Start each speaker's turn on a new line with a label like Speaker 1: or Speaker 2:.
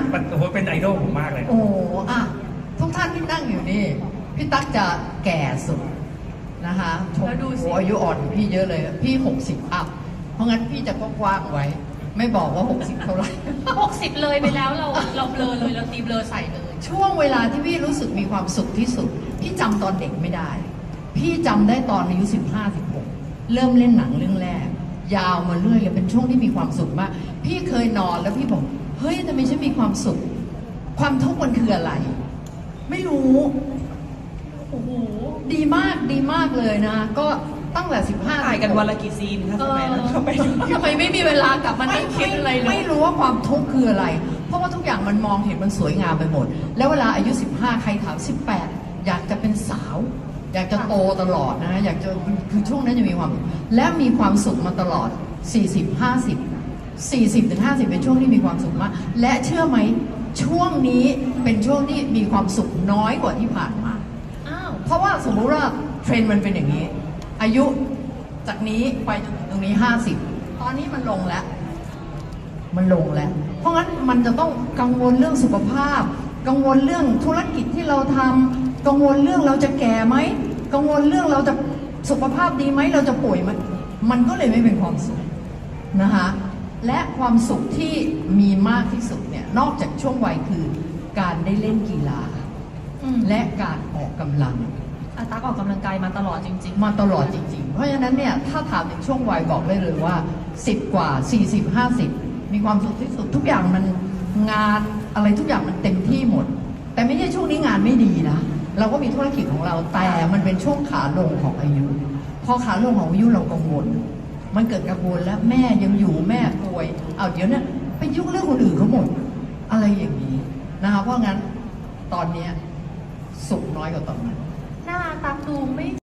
Speaker 1: โอ้โหเป็นไอดอลผมมากเลย
Speaker 2: โอ้อะทุกท่านที่นั่งอยู่นี่พี่ตั๊กจะแก่สุดนะคะแล้วดูสิอายุอ่อนกว่าพี่เยอะเลยพี่60 อัพเพราะงั้นพี่จะกว้างๆไว้ ไม่บอกว่า60เท่าไหร่
Speaker 3: 60เลยไปแล้วเราเบลอเลยเราตีเบลอใส่เลย
Speaker 2: ช่วงเวลาที่พี่รู้สึกมีความสุขที่สุด พี่จำตอนเด็กไม่ได้ พี่จำได้ตอนอายุ15-16เริ่มเล่นหนังเรื่องแรก ยาวมาเรื่อยเลยเป็นช่วงที่มีความสุขมากพี่เคยนอนแล้วพี่บอกเฮ้ยทำไมฉันมีความสุข ความทุกข์มันคืออะไร ไม่รู้โอ้โหดีมากเลยนะ ก็ตั้งแต่15
Speaker 4: ถ่ายกันวันละกี่ซีนคะสมัยนั้นทำไม
Speaker 2: ทำไมไม่มีเวลากลับมานั่งคิดอะไรเลยไม่รู้ว่าความทุกข์คืออะไร เพราะว่าทุกอย่างมันมองเห็นมันสวยงามไปหมด แล้วเวลาอายุ15ใครถาม18อยากจะเป็นสาว อยากจะโตตลอดนะอยากจะคือช่วงนั้นจะมีความและมีความสุขมาตลอด40-50เป็นช่วงที่มีความสุขมากและเชื่อไหมช่วงนี้เป็นช่วงที่มีความสุขน้อยกว่าที่ผ่านมา
Speaker 3: อ้าว
Speaker 2: เพราะว่าสมมุติว่าเทรนด์มันเป็นอย่างนี้ อายุจากนี้ไปจนถึงตรงนี้50ตอนนี้มันลงแล้ว เพราะงั้นมันจะต้องกังวลเรื่องสุขภาพ กังวลเรื่องธุรกิจที่เราทำกังวลเรื่องเราจะแก่ไหมกังวลเรื่องเราจะสุขภาพดีไหมเราจะป่วยไหมมันก็เลยไม่เป็นความสุขนะคะและความสุขที่มีมากที่สุดเนี่ยนอกจากช่วงวัยคือการได้เล่นกีฬา และการออกกำลัง
Speaker 3: อาตักออกกำลังกายมาตลอดจริง
Speaker 2: มาตลอดจริงๆ เพราะฉะนั้นเนี่ยถ้าถามถึงช่วงวัยบอกได้เลยว่า10 กว่า40-50มีความสุขที่สุดทุกอย่างมันงานอะไรทุกอย่างมันเต็มที่หมด แต่ไม่ใช่ช่วงนี้งานไม่ดีนะเราก็มีธุรกิจของเราแต่มันเป็นช่วงขาลงของอายุพอขาลงของอายุเรากังวลมันเกิดกังวลแล้วแม่ยังอยู่แม่ป่วยเอาเดี๋ยวเนี่ยไปยุ่งเรื่องคนอื่นเขาหมดอะไรอย่างนี้นะคะเพราะงั้นตอนเนี้ยสุขน้อยกว่าตอนนั้น
Speaker 3: ๆ หน้าตักดูไม่